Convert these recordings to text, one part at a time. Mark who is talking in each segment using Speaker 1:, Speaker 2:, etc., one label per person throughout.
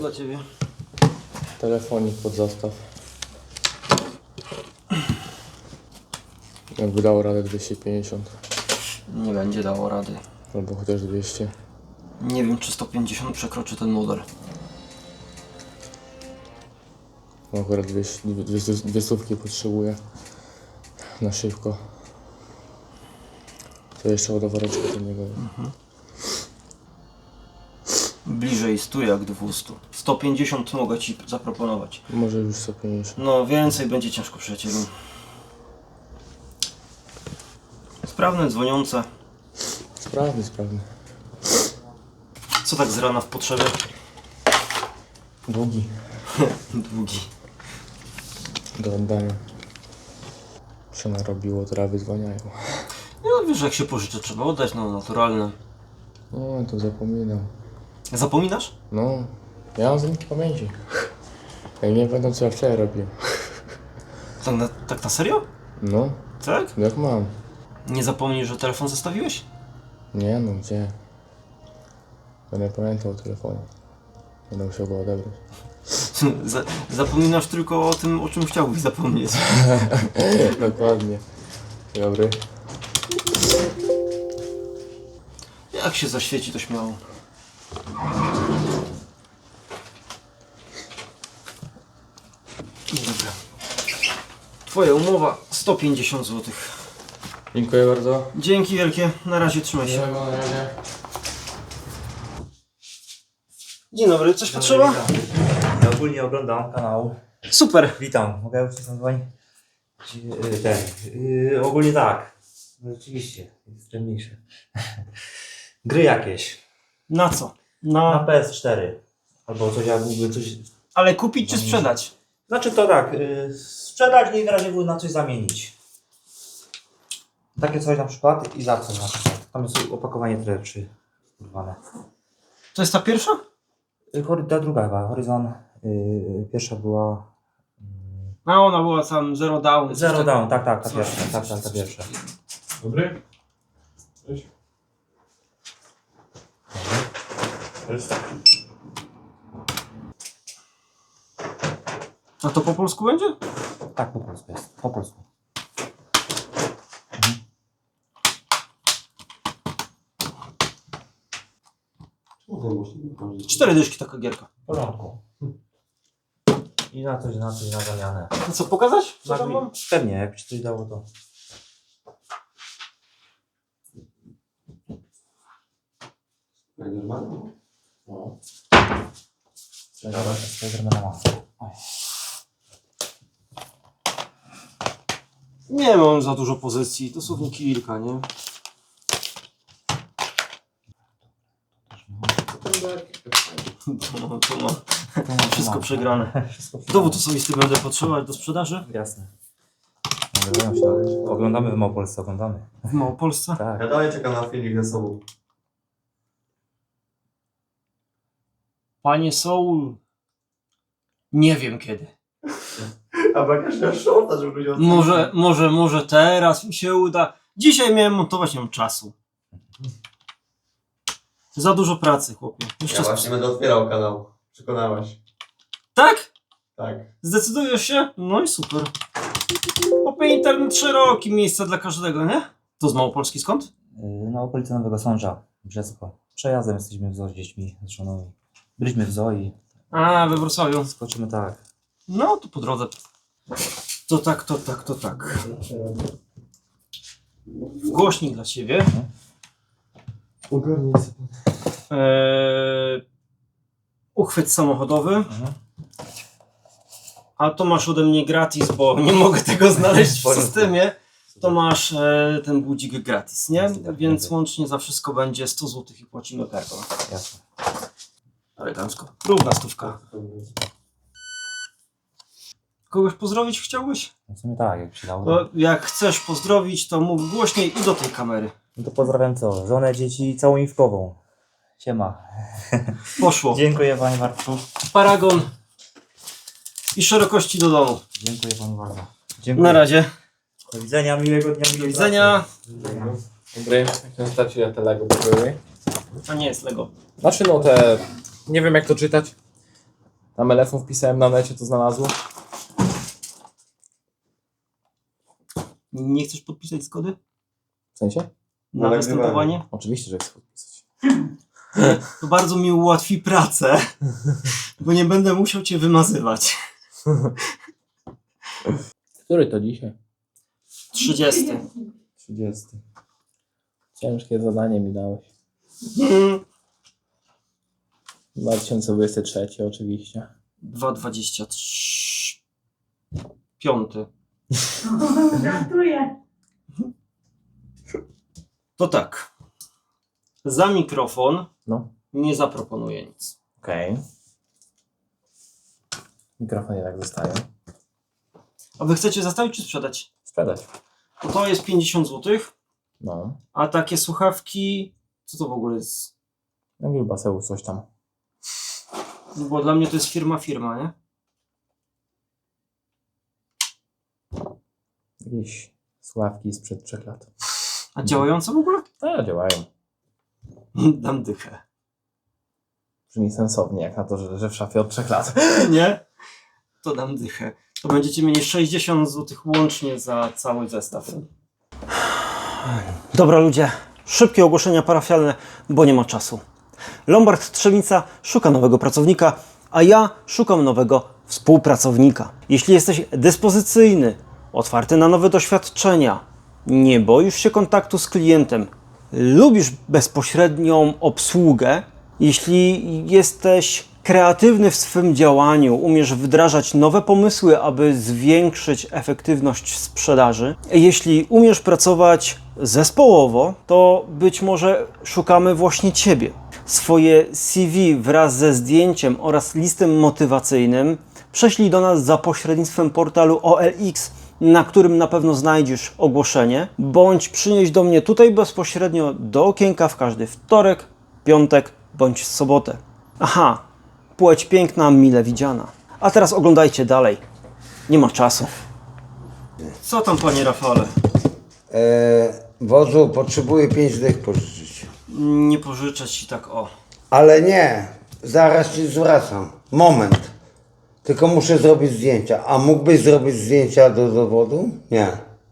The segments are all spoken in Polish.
Speaker 1: dla ciebie?
Speaker 2: Telefonik pod zastaw. Jakby dało radę 250.
Speaker 1: Nie będzie dało rady.
Speaker 2: Albo chociaż 200.
Speaker 1: Nie wiem, czy 150 przekroczy ten model.
Speaker 2: No akurat dwie stówki potrzebuję. Na szybko. To jeszcze ładowareczka do niego.
Speaker 1: Bliżej 100 jak 200. 150 mogę ci zaproponować.
Speaker 2: Może już 150.
Speaker 1: No więcej będzie ciężko, przyjacielu. Sprawne, dzwoniące.
Speaker 2: Sprawny.
Speaker 1: Co tak z rana w potrzebie?
Speaker 2: Długi.
Speaker 1: Długi.
Speaker 2: Do oddania. Się narobiło, trawy zwaniają.
Speaker 1: No wiesz, jak się pożyczę, trzeba oddać, no naturalne.
Speaker 2: No to zapominam.
Speaker 1: Zapominasz?
Speaker 2: No, ja mam z nich pamięci. Jak nie pamiętam co ja wczoraj robiłem.
Speaker 1: Tak na serio?
Speaker 2: No,
Speaker 1: Tak?
Speaker 2: jak mam?
Speaker 1: Nie zapomnij, że telefon zostawiłeś?
Speaker 2: Nie no, gdzie? Będę pamiętał o telefonie. Będę musiał go odebrać.
Speaker 1: Zapominasz tylko o tym, o czym chciałbyś zapomnieć.
Speaker 2: Dokładnie. Dobry.
Speaker 1: Jak się zaświeci, to śmiało. Dobra. Twoja umowa 150 zł.
Speaker 2: Dziękuję bardzo.
Speaker 1: Dzięki wielkie. Na razie, trzymaj się.
Speaker 2: Na razie.
Speaker 1: Dzień dobry, coś potrzeba?
Speaker 3: Ja ogólnie oglądam kanał.
Speaker 1: Super.
Speaker 3: Witam, mogę już się zadzwonić? Ogólnie tak. No, rzeczywiście, jest trudniejsze. Gry jakieś.
Speaker 1: Na co?
Speaker 3: Na PS4. Albo coś, ja mógłby coś...
Speaker 1: Ale kupić czy sprzedać?
Speaker 3: Znaczy to tak, sprzedać i w razie na coś zamienić. Takie coś na przykład i za co na przykład. Tam jest opakowanie treczy urwane.
Speaker 1: To jest ta pierwsza?
Speaker 3: Ta druga chyba, Horizon. Pierwsza była...
Speaker 1: A ona była tam Zero Down.
Speaker 3: Zero Down, tak, ta
Speaker 1: Coś.
Speaker 3: pierwsza, ta pierwsza.
Speaker 2: Dobry? Cześć. Cześć.
Speaker 1: A to po polsku będzie?
Speaker 3: Tak, po polsku jest, po polsku.
Speaker 1: 4 dyszki taka gierka.
Speaker 3: W porządku. I na coś, na zamianę.
Speaker 1: A co, pokazać? Co tam mam?
Speaker 3: Pewnie, jak ci coś dało to.
Speaker 2: Jak normalnie? No.
Speaker 3: Spidermana mam.
Speaker 1: Nie mam za dużo pozycji, dosłownie kilka, nie? To ma wszystko przegrane. Dowód osobisty będę potrzebować do sprzedaży
Speaker 3: Jasne. Nagrywają się. Oglądamy w Małopolsce, oglądamy.
Speaker 1: w Małopolsce.
Speaker 3: Tak.
Speaker 4: Ja dalej czekam na filmik ze sobą.
Speaker 1: Panie Soul, nie wiem kiedy.
Speaker 4: A bo jakaś miał shorta, żeby ludzie
Speaker 1: Może teraz mi się uda. Dzisiaj miałem montować, nie mam czasu. Za dużo pracy, chłopie.
Speaker 4: Ja właśnie będę otwierał kanał. Przekonałaś.
Speaker 1: Tak?
Speaker 4: Tak.
Speaker 1: Zdecydujesz się? No i super. Chłopie, internet szeroki, miejsce dla każdego, nie? To z Małopolski skąd?
Speaker 3: Na okolicy Nowego Sącza, Brzesko. Przejazdem jesteśmy w zoo z dziećmi, z żoną. Byliśmy w zoo i
Speaker 1: A, we Wrocławiu.
Speaker 3: skoczymy tak.
Speaker 1: No, to po drodze. To tak. Głośnik dla ciebie.
Speaker 4: Ogarnij sobie.
Speaker 1: Uchwyt samochodowy. A to masz ode mnie gratis, bo nie mogę tego znaleźć w systemie. To masz ten budzik gratis, nie? Więc łącznie za wszystko będzie 100 zł i płacimy kartą.
Speaker 3: Jasne.
Speaker 1: Elegancko. Równa stówka. Kogoś pozdrowić chciałbyś?
Speaker 3: W sumie tak, jak się dało.
Speaker 1: No, jak chcesz pozdrowić, to mów głośniej i do tej kamery.
Speaker 3: No to pozdrawiam co? Żonę, dzieci i całą Iwkową. Siema.
Speaker 1: Poszło.
Speaker 3: Dziękuję panie Bartku.
Speaker 1: Paragon i szerokości do domu.
Speaker 3: Dziękuję panu bardzo. Dziękuję.
Speaker 1: Na razie.
Speaker 3: Do widzenia, miłego dnia.
Speaker 1: Do widzenia.
Speaker 2: Dobry. Jak się starczy na te Lego były?
Speaker 1: A nie jest Lego.
Speaker 2: Znaczy no te... Nie wiem jak to czytać. Tam elefon wpisałem na necie, to znalazło.
Speaker 1: Nie chcesz podpisać zgody
Speaker 2: W sensie?
Speaker 1: na
Speaker 4: No,
Speaker 1: występowanie?
Speaker 2: Oczywiście, że chcę podpisać.
Speaker 1: To bardzo mi ułatwi pracę, bo nie będę musiał cię wymazywać.
Speaker 2: Który to dzisiaj?
Speaker 1: 30.
Speaker 2: 30. Ciężkie zadanie mi dałeś. 2023 oczywiście.
Speaker 1: 2,23. 5.
Speaker 5: Żartuję.
Speaker 1: To tak. Za mikrofon
Speaker 2: No.
Speaker 1: nie zaproponuję nic.
Speaker 2: Okej. Mikrofon jednak zostaje.
Speaker 1: A wy chcecie zostawić czy sprzedać?
Speaker 2: Sprzedać.
Speaker 1: Bo to jest 50 zł,
Speaker 2: No.
Speaker 1: a takie słuchawki... Co to w ogóle jest?
Speaker 2: Jak baseł coś tam.
Speaker 1: No bo dla mnie to jest firma, nie?
Speaker 2: Jakieś sławki sprzed 3 lat.
Speaker 1: A działające w ogóle?
Speaker 2: Tak, działają.
Speaker 1: Dam dychę.
Speaker 2: Brzmi sensownie, jak na to, że w szafie od 3 lat.
Speaker 1: Nie? To dam dychę. To będziecie mieli 60 zł łącznie za cały zestaw. Dobra ludzie, szybkie ogłoszenia parafialne, bo nie ma czasu. Lombard Trzemica szuka nowego pracownika, a ja szukam nowego współpracownika. Jeśli jesteś dyspozycyjny, otwarty na nowe doświadczenia, nie boisz się kontaktu z klientem, lubisz bezpośrednią obsługę, jeśli jesteś kreatywny w swym działaniu, umiesz wdrażać nowe pomysły, aby zwiększyć efektywność sprzedaży, jeśli umiesz pracować zespołowo, to być może szukamy właśnie Ciebie. Swoje CV wraz ze zdjęciem oraz listem motywacyjnym prześlij do nas za pośrednictwem portalu OLX, na którym na pewno znajdziesz ogłoszenie, bądź przynieś do mnie tutaj bezpośrednio do okienka w każdy wtorek, piątek bądź sobotę. Aha, płeć piękna, mile widziana. A teraz oglądajcie dalej. Nie ma czasu. Co tam, panie Rafale?
Speaker 6: Wodzu, potrzebuję 5 dych pożyczyć.
Speaker 1: Nie pożyczę ci tak o.
Speaker 6: Ale nie, zaraz ci zwracam. Moment. Tylko muszę zrobić zdjęcia. A mógłbyś zrobić zdjęcia do dowodu? Nie.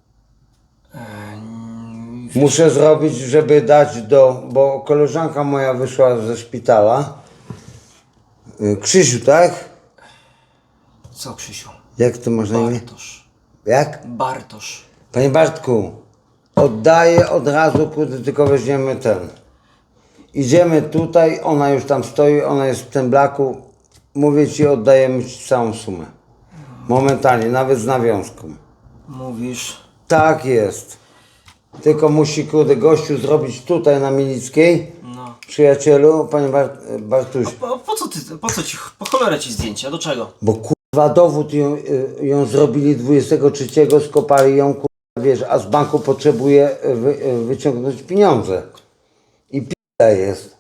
Speaker 6: Muszę zrobić, żeby dać bo koleżanka moja wyszła ze szpitala. Krzysiu, tak?
Speaker 1: Co, Krzysiu?
Speaker 6: Jak to masz na imię?
Speaker 1: Bartosz.
Speaker 6: Jak?
Speaker 1: Bartosz.
Speaker 6: Panie Bartku, oddaję od razu, kurde, tylko weźmiemy ten. Idziemy tutaj, ona już tam stoi, ona jest w tym blaku. Mówię ci, oddajemy ci całą sumę. Momentalnie, nawet z nawiązką.
Speaker 1: Mówisz.
Speaker 6: Tak jest. Tylko musi, kurde, gościu zrobić tutaj na Milickiej.
Speaker 1: No.
Speaker 6: Przyjacielu, panie Bartuś.
Speaker 1: Po co ci, po cholerę ci zdjęcia? Do czego?
Speaker 6: Bo kurwa dowód ją zrobili 23, skopali ją, kurwa, wiesz, a z banku potrzebuje wyciągnąć pieniądze. I p***a jest.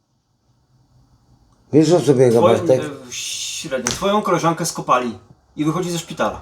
Speaker 6: Wiesz o co biega, Bartek?
Speaker 1: Średnio. Twoją koleżankę skopali i wychodzi ze szpitala.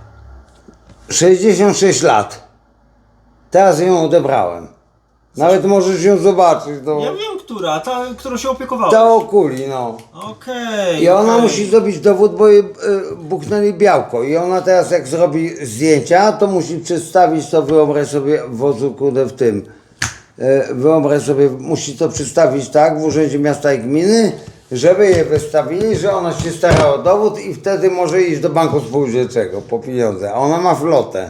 Speaker 6: 66 lat. Teraz ją odebrałem. Nawet możesz ją zobaczyć. No.
Speaker 1: Ja wiem, która, ta, którą się opiekowałeś.
Speaker 6: Ta okuli, no.
Speaker 1: Okej.
Speaker 6: I ona
Speaker 1: okej.
Speaker 6: musi zrobić dowód, bo jej buchnęli białko. I ona teraz jak zrobi zdjęcia, to musi przedstawić to, wyobraź sobie, wodzu, kurde, w tym. Wyobraź sobie, musi to przedstawić tak w Urzędzie Miasta i Gminy, żeby je wystawili, że ona się stara o dowód i wtedy może iść do banku spółdzielczego po pieniądze. A ona ma flotę.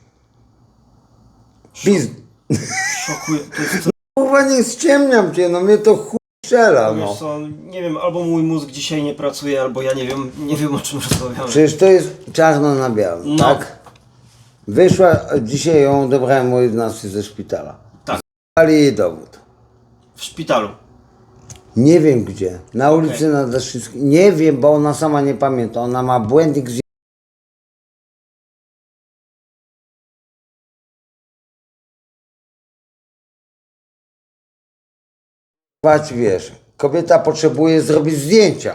Speaker 1: Szokuje. To jest,
Speaker 6: Kurwa, nie ściemniam cię, no mnie to chuj strzela, no.
Speaker 1: wiesz co, nie wiem, albo mój mózg dzisiaj nie pracuje, albo ja nie wiem o czym rozmawiamy.
Speaker 6: Przecież to jest czarno na białym,
Speaker 1: No.
Speaker 6: tak? Wyszła, dzisiaj ją odebrałem o 11 ze szpitala.
Speaker 1: Tak.
Speaker 6: Dali jej dowód.
Speaker 1: W szpitalu.
Speaker 6: Nie wiem gdzie. Na ulicy na Daszyckiej. Nie wiem, bo ona sama nie pamięta. Ona ma błędnik z... Patrz, wiesz, kobieta potrzebuje zrobić zdjęcia,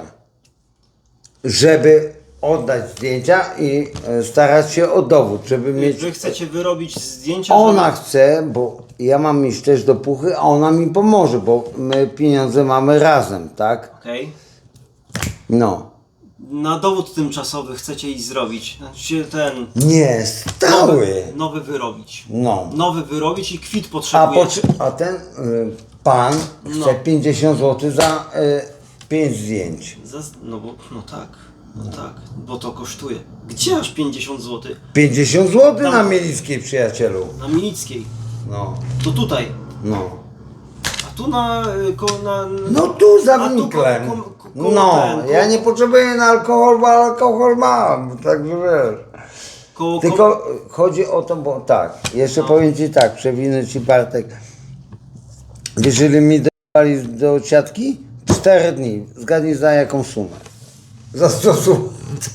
Speaker 6: żeby oddać zdjęcia i starać się o dowód, żeby mieć...
Speaker 1: Wy chcecie wyrobić zdjęcia,
Speaker 6: Ona
Speaker 1: żeby...
Speaker 6: chce, bo ja mam iść też do Puchy, a ona mi pomoże, bo my pieniądze mamy razem, tak?
Speaker 1: Okej.
Speaker 6: No.
Speaker 1: Na dowód tymczasowy chcecie iść zrobić. Znaczy ten...
Speaker 6: Nie, stały.
Speaker 1: Nowy wyrobić.
Speaker 6: No.
Speaker 1: Nowy wyrobić i kwit potrzebujecie.
Speaker 6: A ten pan chce 50 zł za 5 zdjęć.
Speaker 1: No tak, bo to kosztuje. Gdzie aż 50 zł?
Speaker 6: 50 zł
Speaker 1: Tam.
Speaker 6: na Mielickiej, przyjacielu.
Speaker 1: Na Milickiej.
Speaker 6: No,
Speaker 1: To tutaj.
Speaker 6: no.
Speaker 1: A tu na...
Speaker 6: No tu za
Speaker 1: A tu
Speaker 6: winklem.
Speaker 1: koło
Speaker 6: No,
Speaker 1: ten,
Speaker 6: ja nie potrzebuję na alkohol, bo alkohol mam, także wiesz. Tylko chodzi o to, bo tak, jeszcze powiem Ci tak, przewinę Ci Bartek. Wiesz, ile mi dali do siatki? 4 dni. Zgadnij za jaką sumę. Za 100 zł.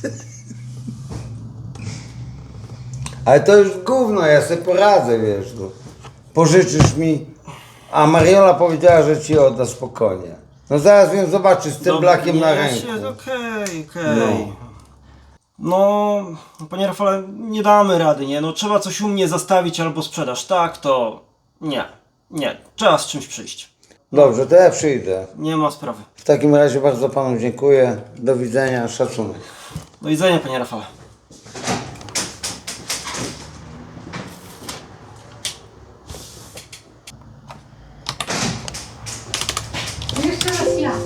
Speaker 6: Ale to już gówno, ja sobie poradzę, wiesz. No. Pożyczysz mi, a Mariola powiedziała, że Ci odda spokojnie. No zaraz ją zobaczy z tym blakiem na ręku.
Speaker 1: Okej. No, panie Rafale, nie damy rady, nie? No trzeba coś u mnie zastawić albo sprzedaż. Tak, to... Nie. Trzeba z czymś przyjść.
Speaker 6: Dobrze, to ja przyjdę.
Speaker 1: Nie ma sprawy.
Speaker 6: W takim razie bardzo Panu dziękuję. Do widzenia, szacunek.
Speaker 1: Do widzenia, panie Rafale.
Speaker 5: Jeszcze raz ja.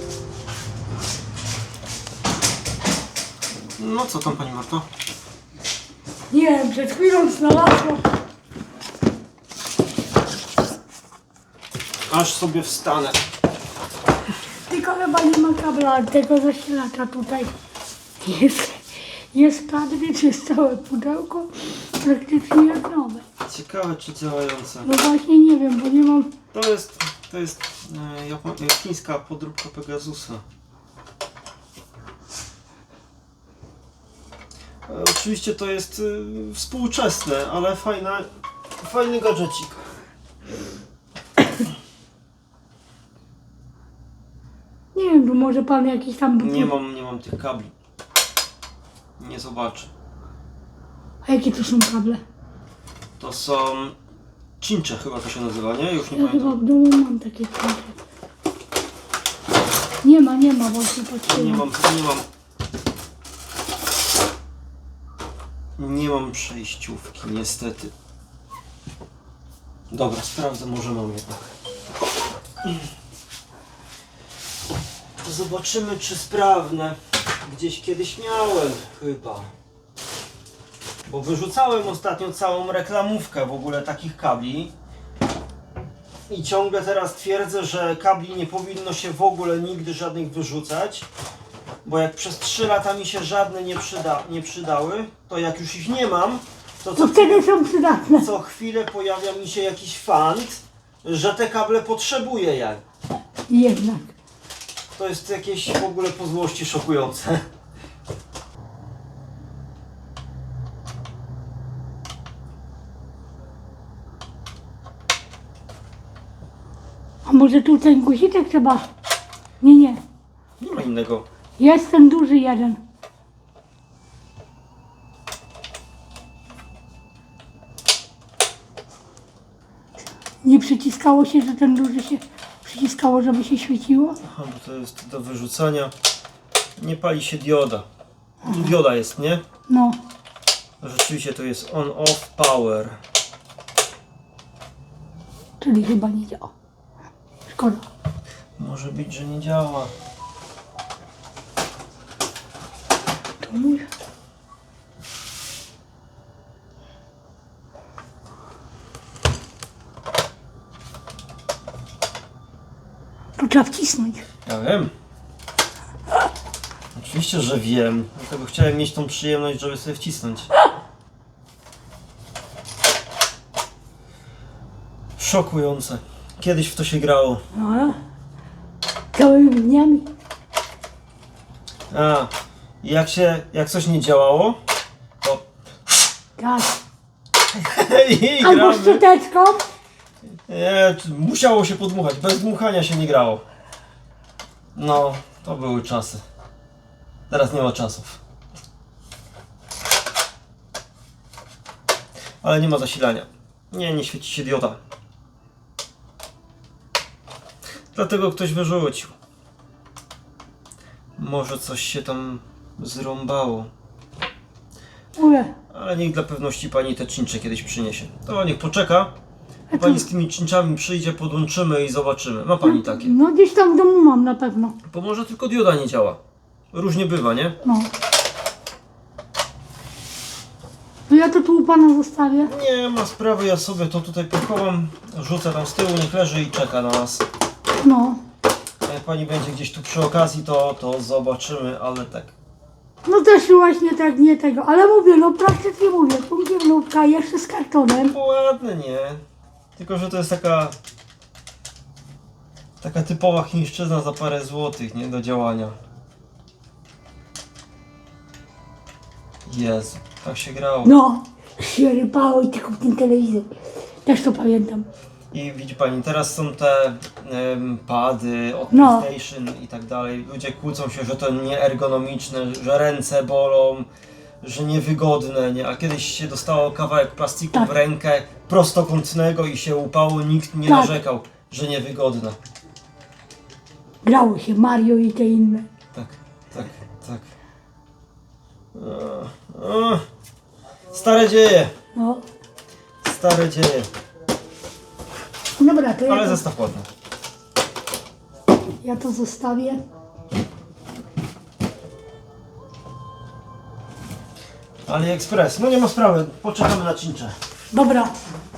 Speaker 1: No co tam, pani Marto?
Speaker 5: Nie wiem, przed chwilą znalazłam.
Speaker 1: Aż sobie wstanę.
Speaker 5: Tylko chyba nie ma kabla tego zasilacza tutaj. Jest kadry, czy jest całe pudełko. Praktycznie jest nowe.
Speaker 1: Ciekawe, czy działające.
Speaker 5: No właśnie nie wiem, bo nie mam...
Speaker 1: To jest chińska podróbka Pegasusa. Oczywiście to jest współczesne, ale fajny gadżecik.
Speaker 5: Nie wiem, tu może pan jakiś tam...
Speaker 1: Nie mam tych kabli. Nie zobaczę.
Speaker 5: A jakie to są kable?
Speaker 1: To są cincze chyba to się nazywa, nie? Już nie
Speaker 5: Ja chyba
Speaker 1: pamiętam.
Speaker 5: w domu mam takie kable. Nie ma, właśnie patrzyłem.
Speaker 1: Nie mam przejściówki, niestety. Dobra, sprawdzę, może mam jednak. Zobaczymy, czy sprawne. Gdzieś kiedyś miałem chyba. Bo wyrzucałem ostatnio całą reklamówkę w ogóle takich kabli. I ciągle teraz twierdzę, że kabli nie powinno się w ogóle nigdy żadnych wyrzucać. Bo jak przez 3 lata mi się żadne nie przydały, to jak już ich nie mam, to
Speaker 5: To wtedy są przydatne.
Speaker 1: co chwilę pojawia mi się jakiś fant, że te kable potrzebuję ja.
Speaker 5: Jednak.
Speaker 1: To jest jakieś w ogóle po złości szokujące.
Speaker 5: A może tu ten guziczek trzeba... Nie.
Speaker 1: Nie ma innego.
Speaker 5: Jest ten duży jeden. Nie przyciskało się, że ten duży się przyciskało, żeby się świeciło?
Speaker 1: Aha, bo to jest do wyrzucania. Nie pali się dioda. Dioda jest, nie?
Speaker 5: No.
Speaker 1: Rzeczywiście to jest on-off power.
Speaker 5: Czyli chyba nie działa. Szkoda.
Speaker 1: Może być, że nie działa.
Speaker 5: To mój. Tu trzeba wcisnąć.
Speaker 1: Ja wiem. Oczywiście, że wiem. Dlatego chciałem mieć tą przyjemność, żeby sobie wcisnąć. Szokujące. Kiedyś w to się grało.
Speaker 5: No. Całymi dniami.
Speaker 1: A, jak coś nie działało, to
Speaker 5: Tak.
Speaker 1: i
Speaker 5: Albo
Speaker 1: gramy.
Speaker 5: szczoteczką.
Speaker 1: Nie, musiało się podmuchać. Bez dmuchania się nie grało. No, to były czasy. Teraz nie ma czasów. Ale nie ma zasilania. Nie świeci się dioda. Dlatego ktoś wyrzucił. Może coś się tam zrąbało.
Speaker 5: Ule.
Speaker 1: Ale niech dla pewności pani te czyncze kiedyś przyniesie. To niech poczeka.
Speaker 5: A
Speaker 1: Pani
Speaker 5: tu-
Speaker 1: z tymi czynczami przyjdzie, podłączymy i zobaczymy. Ma pani takie.
Speaker 5: No gdzieś tam w domu mam na pewno.
Speaker 1: Bo może tylko dioda nie działa. Różnie bywa, nie?
Speaker 5: No. To ja to tu u pana zostawię.
Speaker 1: Nie ma sprawy, ja sobie to tutaj pochowam, rzucę tam z tyłu, niech leży i czeka na nas.
Speaker 5: No.
Speaker 1: A jak pani będzie gdzieś tu przy okazji, to zobaczymy, ale tak.
Speaker 5: No też właśnie tak, nie tego. Ale mówię, no praktycznie mówię. Półdzielówka jeszcze z kartonem.
Speaker 1: No ładne, nie? Tylko, że to jest taka typowa chińszczyzna za parę złotych, nie? Do działania. Jezu, tak się grało.
Speaker 5: No. Się rypało i tylko w ten telewizor. Też to pamiętam.
Speaker 1: I widzi pani, teraz są te pady od
Speaker 5: No.
Speaker 1: PlayStation i tak dalej. Ludzie kłócą się, że to nieergonomiczne, że ręce bolą, że niewygodne, nie? A kiedyś się dostało kawałek plastiku
Speaker 5: Tak.
Speaker 1: w rękę prostokątnego i się upało, nikt nie
Speaker 5: Tak.
Speaker 1: narzekał, że niewygodne.
Speaker 5: Grało się Mario i te inne.
Speaker 1: Tak, tak, tak. Stare dzieje,
Speaker 5: No.
Speaker 1: stare dzieje.
Speaker 5: Dobra, to
Speaker 1: Ale zestaw ładny.
Speaker 5: ja to zostawię.
Speaker 1: AliExpress, no nie ma sprawy, poczekamy na czyncze.
Speaker 5: Dobra.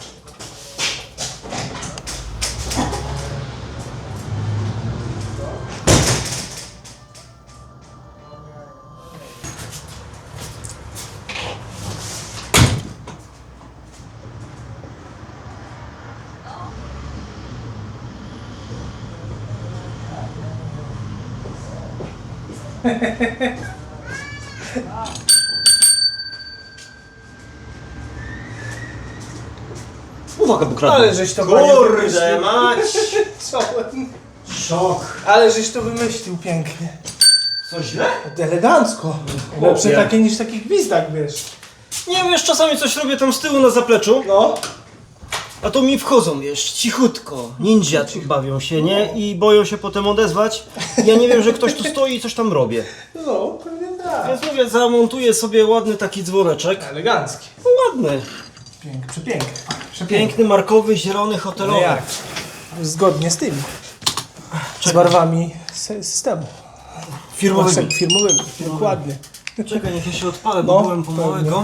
Speaker 1: Uwaga, bo kradną.
Speaker 7: Ale żeś to panie
Speaker 1: Kurde
Speaker 7: wymyślił.
Speaker 1: mać!
Speaker 7: Czołem.
Speaker 1: Szok!
Speaker 7: Ale żeś to wymyślił pięknie.
Speaker 1: Co źle?
Speaker 7: Elegancko. Lepsze
Speaker 1: Chłopie.
Speaker 7: takie niż taki gwizdak, wiesz.
Speaker 1: Nie wiesz, czasami coś robię tam z tyłu na zapleczu,
Speaker 7: No.
Speaker 1: a to mi wchodzą, wiesz, cichutko. Ninja bawią się, nie? I boją się potem odezwać. Ja nie wiem, że ktoś tu stoi i coś tam robię.
Speaker 7: No, pewnie tak.
Speaker 1: Więc mówię, zamontuję sobie ładny taki dzwoneczek.
Speaker 7: Elegancki.
Speaker 1: No ładny.
Speaker 7: Przepiękny.
Speaker 1: Piękny, markowy, zielony, hotelowy.
Speaker 7: No jak? Zgodnie z tym. Z barwami systemu.
Speaker 1: Firmowymi.
Speaker 7: Firmowymi. Dokładnie.
Speaker 1: Czekaj, niech ja się odpalę, bo
Speaker 7: No,
Speaker 1: byłem po małego.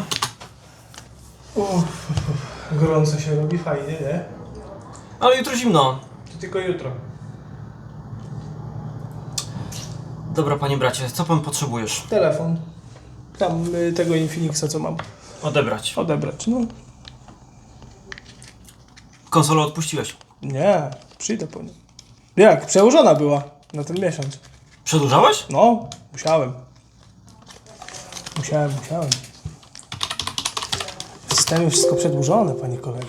Speaker 7: Gorąco się robi, fajnie, nie?
Speaker 1: Ale jutro zimno.
Speaker 7: To tylko jutro.
Speaker 1: Dobra, panie bracie, co pan potrzebujesz?
Speaker 7: Telefon. Tam tego Infinixa, co mam.
Speaker 1: Odebrać.
Speaker 7: Odebrać, no.
Speaker 1: Konsolę odpuściłeś.
Speaker 7: Nie, przyjdę po nią. Jak? Przełożona była na ten miesiąc.
Speaker 1: Przedłużałeś?
Speaker 7: No, musiałem. Musiałem. W systemie wszystko przedłużone, panie kolego.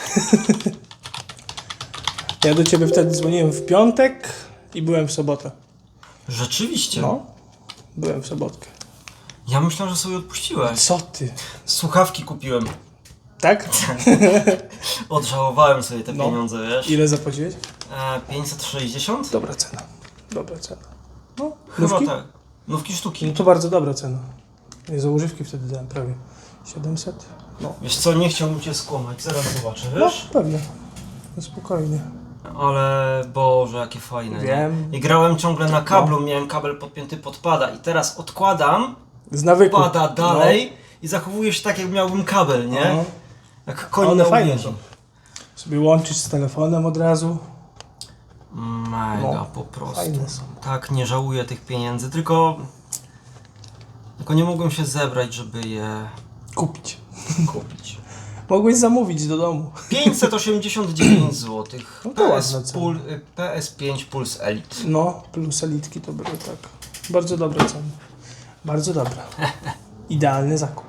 Speaker 7: Ja do ciebie wtedy dzwoniłem w piątek i byłem w sobotę.
Speaker 1: Rzeczywiście.
Speaker 7: No, byłem w sobotkę.
Speaker 1: Ja myślałem, że sobie odpuściłeś.
Speaker 7: Co ty?
Speaker 1: Słuchawki kupiłem.
Speaker 7: Tak?
Speaker 1: Odżałowałem sobie te
Speaker 7: No.
Speaker 1: pieniądze, wiesz?
Speaker 7: Ile zapłaciłeś?
Speaker 1: 560?
Speaker 7: Dobra cena. Dobra cena. No,
Speaker 1: Chyba
Speaker 7: nówki?
Speaker 1: tak. Nówki sztuki.
Speaker 7: No to bardzo dobra cena. Nie, za używki wtedy dałem prawie 700. No,
Speaker 1: Wiesz co, nie chciałbym cię skłamać, zaraz zobaczę,
Speaker 7: no
Speaker 1: wiesz?
Speaker 7: pewnie. No, spokojnie.
Speaker 1: Ale Boże, jakie fajne,
Speaker 7: Wiem.
Speaker 1: nie? I grałem ciągle na kablu, miałem kabel podpięty pod pada i teraz odkładam,
Speaker 7: Z nawyku.
Speaker 1: pada dalej i zachowuję się tak, jak miałbym kabel, nie?
Speaker 7: No.
Speaker 1: Jak koń
Speaker 7: One
Speaker 1: na
Speaker 7: fajne
Speaker 1: uwięzi.
Speaker 7: są. Sobie łączyć z telefonem od razu.
Speaker 1: Mega,
Speaker 7: No,
Speaker 1: po prostu.
Speaker 7: fajne są.
Speaker 1: Tak, nie żałuję tych pieniędzy, tylko nie mogłem się zebrać, żeby je
Speaker 7: Kupić.
Speaker 1: kupić.
Speaker 7: Mogłeś zamówić do domu.
Speaker 1: 589 zł.
Speaker 7: No to ładna cena.
Speaker 1: PS5 Pulse Elite.
Speaker 7: No, plus elitki to były tak. Bardzo dobre ceny. Bardzo dobra. Idealny zakup.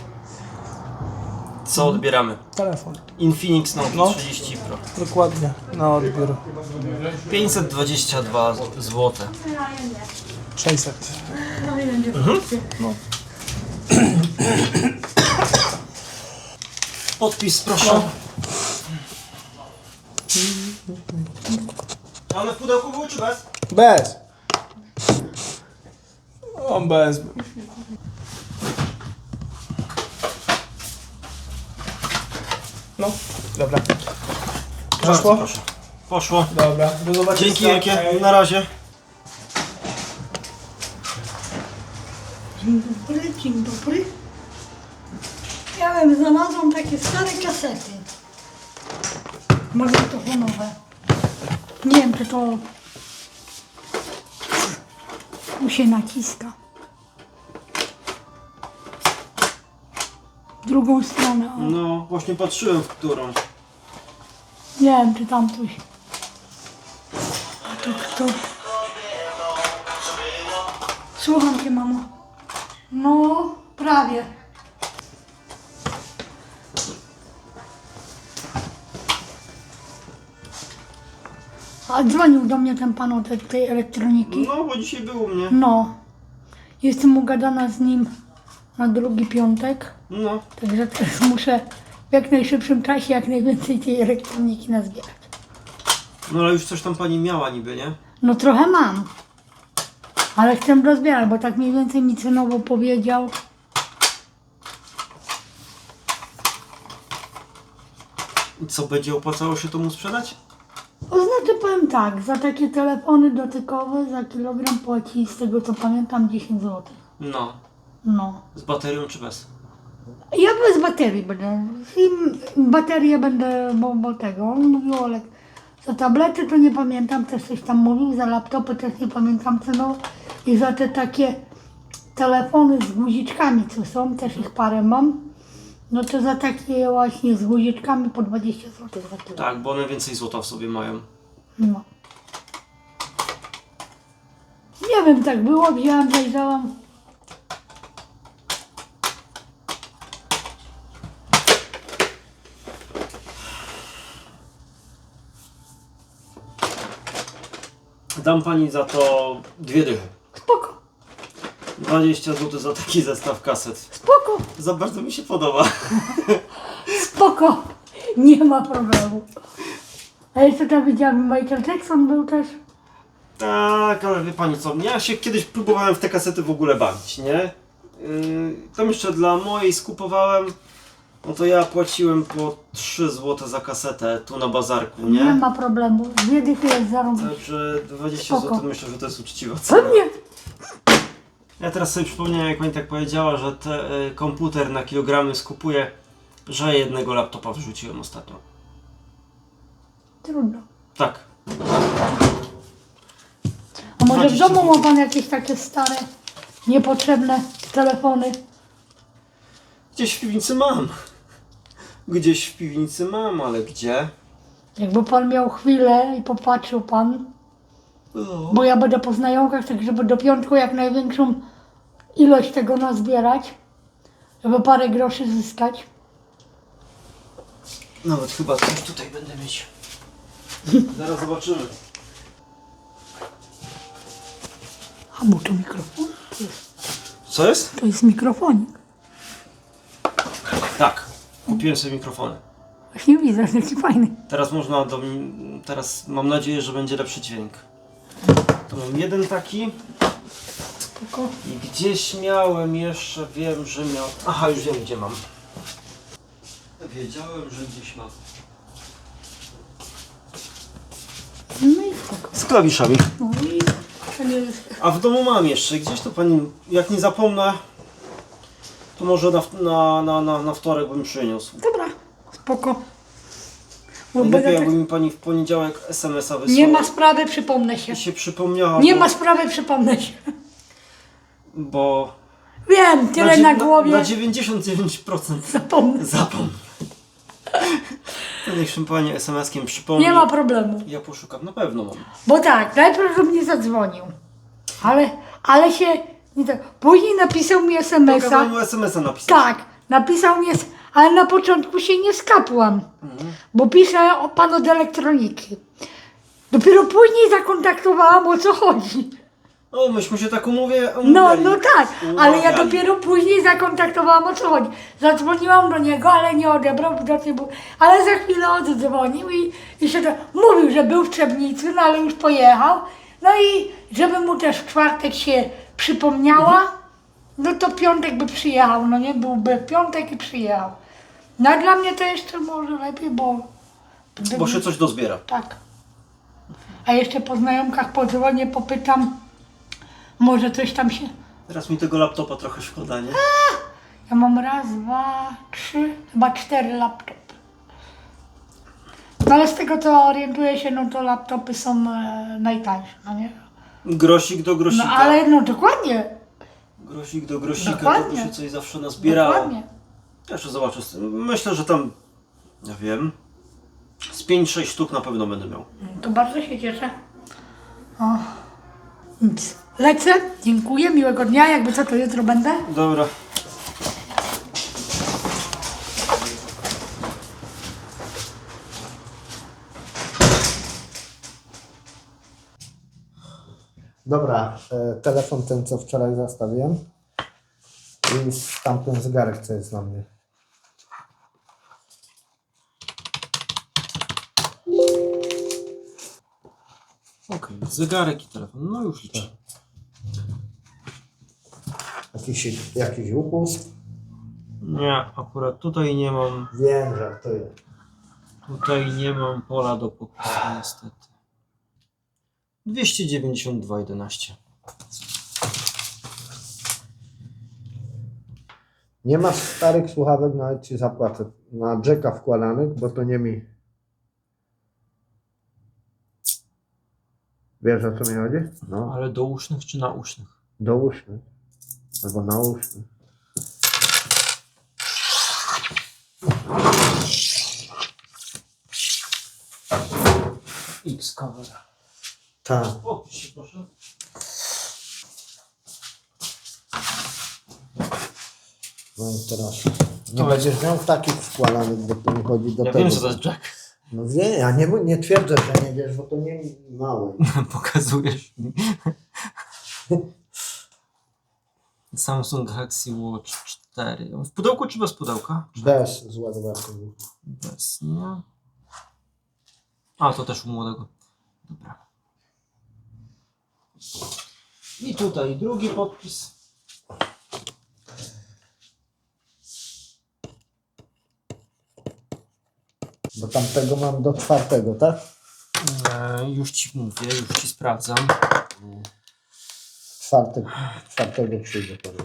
Speaker 1: Co odbieramy?
Speaker 7: Telefon.
Speaker 1: Infinix Note
Speaker 7: No.
Speaker 1: 30 Pro.
Speaker 7: Dokładnie. Na odbiór.
Speaker 1: 522 zł.
Speaker 7: 600. No.
Speaker 1: Podpis proszę. One w pudełku były czy bez?
Speaker 7: Bez. On bez. No, dobra. Poszło?
Speaker 1: Proszę. Poszło.
Speaker 7: Dobra, do zobaczenia.
Speaker 1: Dzięki wielkie, na razie.
Speaker 5: Dzień dobry, dzień dobry. Ja wiem, znalazłam takie stare kasety. Magnetofonowe. Nie wiem, czy to tu się naciska. W drugą stronę. O.
Speaker 1: No, właśnie patrzyłem w którą.
Speaker 5: Nie wiem, czy tam coś. A to kto? Słucham cię, mamo. No, prawie. A dzwonił do mnie ten pan od tej elektroniki.
Speaker 1: No, bo dzisiaj był u mnie.
Speaker 5: No. Jestem ugadana z nim na drugi piątek.
Speaker 1: No.
Speaker 5: Także teraz muszę w jak najszybszym czasie jak najwięcej tej elektroniki nazbierać.
Speaker 1: No ale już coś tam pani miała niby, nie?
Speaker 5: No trochę mam. Ale chcę rozbierać, bo tak mniej więcej mi cenowo powiedział.
Speaker 1: I co, będzie opłacało się to mu sprzedać?
Speaker 5: To znaczy powiem tak, za takie telefony dotykowe za kilogram płaci z tego co pamiętam 10 zł.
Speaker 1: No.
Speaker 5: No.
Speaker 1: Z baterią czy bez?
Speaker 5: Ja bez baterii będę. I baterię będę, bo tego. On mówił Olek. Za tablety to nie pamiętam, też coś tam mówił, za laptopy też nie pamiętam cenowo. I za te takie telefony z guziczkami, co są, też ich parę mam. No to za takie właśnie z guziczkami po 20 zł za kilo.
Speaker 1: Tak, bo one więcej złota w sobie mają.
Speaker 5: No. Nie wiem, tak było, wzięłam, zajrzałam.
Speaker 1: Dam pani za to 2 dychy.
Speaker 5: Spoko,
Speaker 1: 20 zł za taki zestaw kaset.
Speaker 5: spoko,
Speaker 1: Za bardzo mi się podoba.
Speaker 5: spoko. Nie ma problemu. A jeszcze tam widziałam, Michael Jackson był też.
Speaker 1: Tak, ale wie pani co, ja się kiedyś próbowałem w te kasety w ogóle bawić, nie? Tam jeszcze dla mojej skupowałem, no to ja płaciłem po 3 zł za kasetę tu na bazarku,
Speaker 5: Nie
Speaker 1: nie?
Speaker 5: ma problemu. 2 dychy jest zarobić.
Speaker 1: Także 20
Speaker 5: Spoko.
Speaker 1: zł myślę, że to jest uczciwa cena.
Speaker 5: Pewnie.
Speaker 1: Ja teraz sobie przypomniałem, jak pani tak powiedziała, że komputer na kilogramy skupuje, że jednego laptopa wrzuciłem ostatnio.
Speaker 5: Trudno.
Speaker 1: Tak.
Speaker 5: A może w
Speaker 1: 20
Speaker 5: domu ma pan jakieś takie stare, niepotrzebne telefony?
Speaker 1: Gdzieś w piwnicy mam. Gdzieś w piwnicy mam, ale gdzie?
Speaker 5: Jakby pan miał chwilę i popatrzył pan,
Speaker 1: No.
Speaker 5: bo ja będę po znajomkach, tak żeby do piątku jak największą ilość tego nazbierać, żeby parę groszy zyskać.
Speaker 1: Nawet chyba coś tutaj będę mieć. Zaraz zobaczymy.
Speaker 5: A bo to mikrofon?
Speaker 1: Co jest?
Speaker 5: To jest mikrofonik.
Speaker 1: Tak. Kupiłem sobie mikrofony.
Speaker 5: Właśnie widzę, że taki fajny.
Speaker 1: Teraz można teraz mam nadzieję, że będzie lepszy dźwięk. To mam jeden taki.
Speaker 5: Spoko.
Speaker 1: I gdzieś miałem jeszcze, wiem, że miał... Aha, już wiem gdzie mam. Wiedziałem, że gdzieś mam.
Speaker 5: No i spoko.
Speaker 1: Z klawiszami.
Speaker 5: No i to nie jest...
Speaker 1: A w domu mam jeszcze. Gdzieś to pani, jak nie zapomnę, to może na wtorek bym przyniósł.
Speaker 5: Dobra, spoko. Bo
Speaker 1: Lepiej
Speaker 5: będę
Speaker 1: jakby
Speaker 5: tak...
Speaker 1: mi pani w poniedziałek SMS-a wysłała.
Speaker 5: Nie ma sprawy, przypomnę się.
Speaker 1: I się przypomniała.
Speaker 5: Nie
Speaker 1: bo,
Speaker 5: ma sprawy, przypomnę się.
Speaker 1: Bo
Speaker 5: Wiem, tyle na głowie.
Speaker 1: Na 99%
Speaker 5: Zapomnę.
Speaker 1: zapomnę. To niech się pani SMS-kiem przypomni.
Speaker 5: Nie ma problemu.
Speaker 1: Ja poszukam, na pewno mam.
Speaker 5: Bo tak, najpierw do mnie zadzwonił. Ale się... Nie tak. Później napisał mi
Speaker 1: Kazałem
Speaker 5: SMS-a.
Speaker 1: mu SMS-a napisać.
Speaker 5: Tak, napisał mi, ale na początku się nie skapłam. Bo pisze pan od elektroniki. Dopiero później zakontaktowałam, o co chodzi.
Speaker 1: No, myśmy się tak umawiali.
Speaker 5: No tak, ale ja
Speaker 1: Umawiali.
Speaker 5: dopiero później zakontaktowałam, o co chodzi. Zadzwoniłam do niego, ale nie odebrał, widocznie był, ale za chwilę oddzwonił i się to, mówił, że był w Trzebnicy, no ale już pojechał. No i żeby mu też w czwartek się przypomniała, no to piątek by przyjechał, no nie? Byłby piątek i przyjechał. No a dla mnie to jeszcze może lepiej, bo...
Speaker 1: Bo się coś dozbiera.
Speaker 5: Tak. A jeszcze po znajomkach podzwonię, popytam, może coś tam się...
Speaker 1: Teraz mi tego laptopa trochę szkoda, nie?
Speaker 5: Ja mam raz, dwa, trzy, chyba 4 laptopy. No ale z tego co orientuję się, no to laptopy są najtańsze, no nie?
Speaker 1: Grosik do grosika.
Speaker 5: No ale no dokładnie,
Speaker 1: Grosik do grosika, to by
Speaker 5: Dokładnie.
Speaker 1: się coś zawsze nazbierało.
Speaker 5: dokładnie.
Speaker 1: Ja jeszcze zobaczę z tym. Myślę, że tam, ja wiem, z 5-6 sztuk na pewno będę miał.
Speaker 5: To bardzo się cieszę. O. Nic. Lecę, dziękuję, miłego dnia, jakby co to jutro będę.
Speaker 1: Dobra.
Speaker 8: Dobra, telefon ten, co wczoraj zostawiłem i tamten zegarek, co jest na mnie.
Speaker 1: Okej, zegarek i telefon, no już liczę.
Speaker 8: Jakiś upust?
Speaker 1: Nie, akurat tutaj nie mam,
Speaker 8: Wiem, żartuję.
Speaker 1: tutaj nie mam pola do popisu niestety. 292,11.
Speaker 8: Nie masz starych słuchawek, nawet ci zapłacę. Na jacka wkładanych, bo to nie mi. Wiesz, o co mi chodzi? No,
Speaker 1: Ale do usznych czy nausznych?
Speaker 8: do usznych. Albo na usznych.
Speaker 1: X-cover.
Speaker 8: Tak.
Speaker 1: O, proszę.
Speaker 8: No i teraz. Nie będziesz miał takich wkładanych, bo to mi chodzi do
Speaker 1: Ja
Speaker 8: tego.
Speaker 1: wiem, co to jest Jack.
Speaker 8: No wie, ja nie twierdzę, że nie wiesz, bo to nie małe.
Speaker 1: Pokazujesz mi. Samsung Galaxy Watch 4. W pudełku czy bez pudełka?
Speaker 8: Bez z ładowarką.
Speaker 1: Bez, nie? A, to też u młodego. Dobra. I tutaj drugi podpis.
Speaker 8: Bo tamtego mam do 4, tak?
Speaker 1: Już ci mówię, już ci sprawdzam.
Speaker 8: 4 przyjdzie pewnie.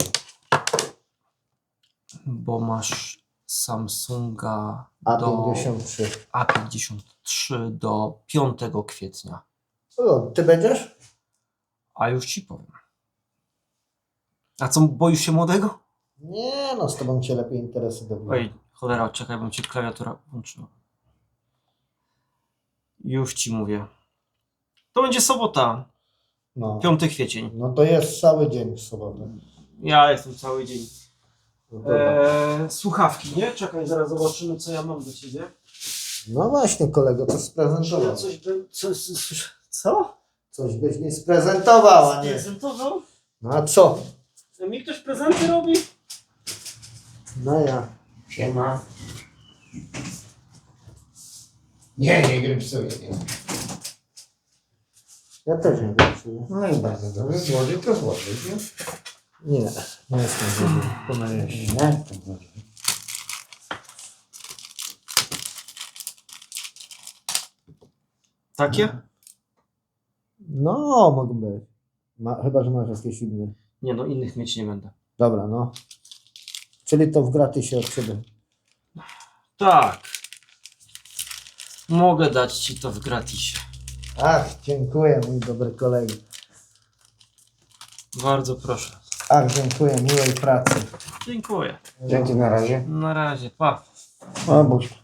Speaker 1: Bo masz Samsunga do
Speaker 8: A53.
Speaker 1: A53 do 5 kwietnia.
Speaker 8: O, ty będziesz?
Speaker 1: A już ci powiem. A co, boisz się młodego?
Speaker 8: Nie no, z tobą cię lepiej interesy dobiją.
Speaker 1: Oj, cholera, czekaj, bym ci klawiatura włączyła. Już ci mówię. To będzie sobota,
Speaker 8: No.
Speaker 1: 5 kwiecień.
Speaker 8: No to jest cały dzień w sobotę.
Speaker 1: Ja jestem cały dzień.
Speaker 8: No, dobra.
Speaker 1: Słuchawki, nie? Czekaj, zaraz zobaczymy, co ja mam do ciebie.
Speaker 8: No właśnie, kolego, to
Speaker 1: Czy ja
Speaker 8: sprezentował.
Speaker 1: coś bym... Co?
Speaker 8: Coś byś nie sprezentował, a nie.
Speaker 1: Prezentował?
Speaker 8: No a co?
Speaker 1: Mi ktoś prezenty robi?
Speaker 8: No ja.
Speaker 6: Siema. Nie grypsuję.
Speaker 8: Ja też nie wiem.
Speaker 6: No i bardzo dobrze, złożyć to złożyć, nie?
Speaker 8: Nie jestem zły. Pomyliłem się.
Speaker 6: Nie, to dobrze.
Speaker 1: Takie?
Speaker 8: No, mogą być. Chyba, że masz jakieś inne.
Speaker 1: Nie no, innych mieć nie będę.
Speaker 8: Dobra, no. Czyli to w gratisie od ciebie.
Speaker 1: Tak. Mogę dać ci to w gratisie.
Speaker 8: Ach, dziękuję, mój dobry kolego.
Speaker 1: Bardzo proszę.
Speaker 8: Ach, dziękuję, miłej pracy.
Speaker 1: Dziękuję.
Speaker 6: Dzięki, na razie.
Speaker 1: Na razie, pa.
Speaker 8: O, Bóg.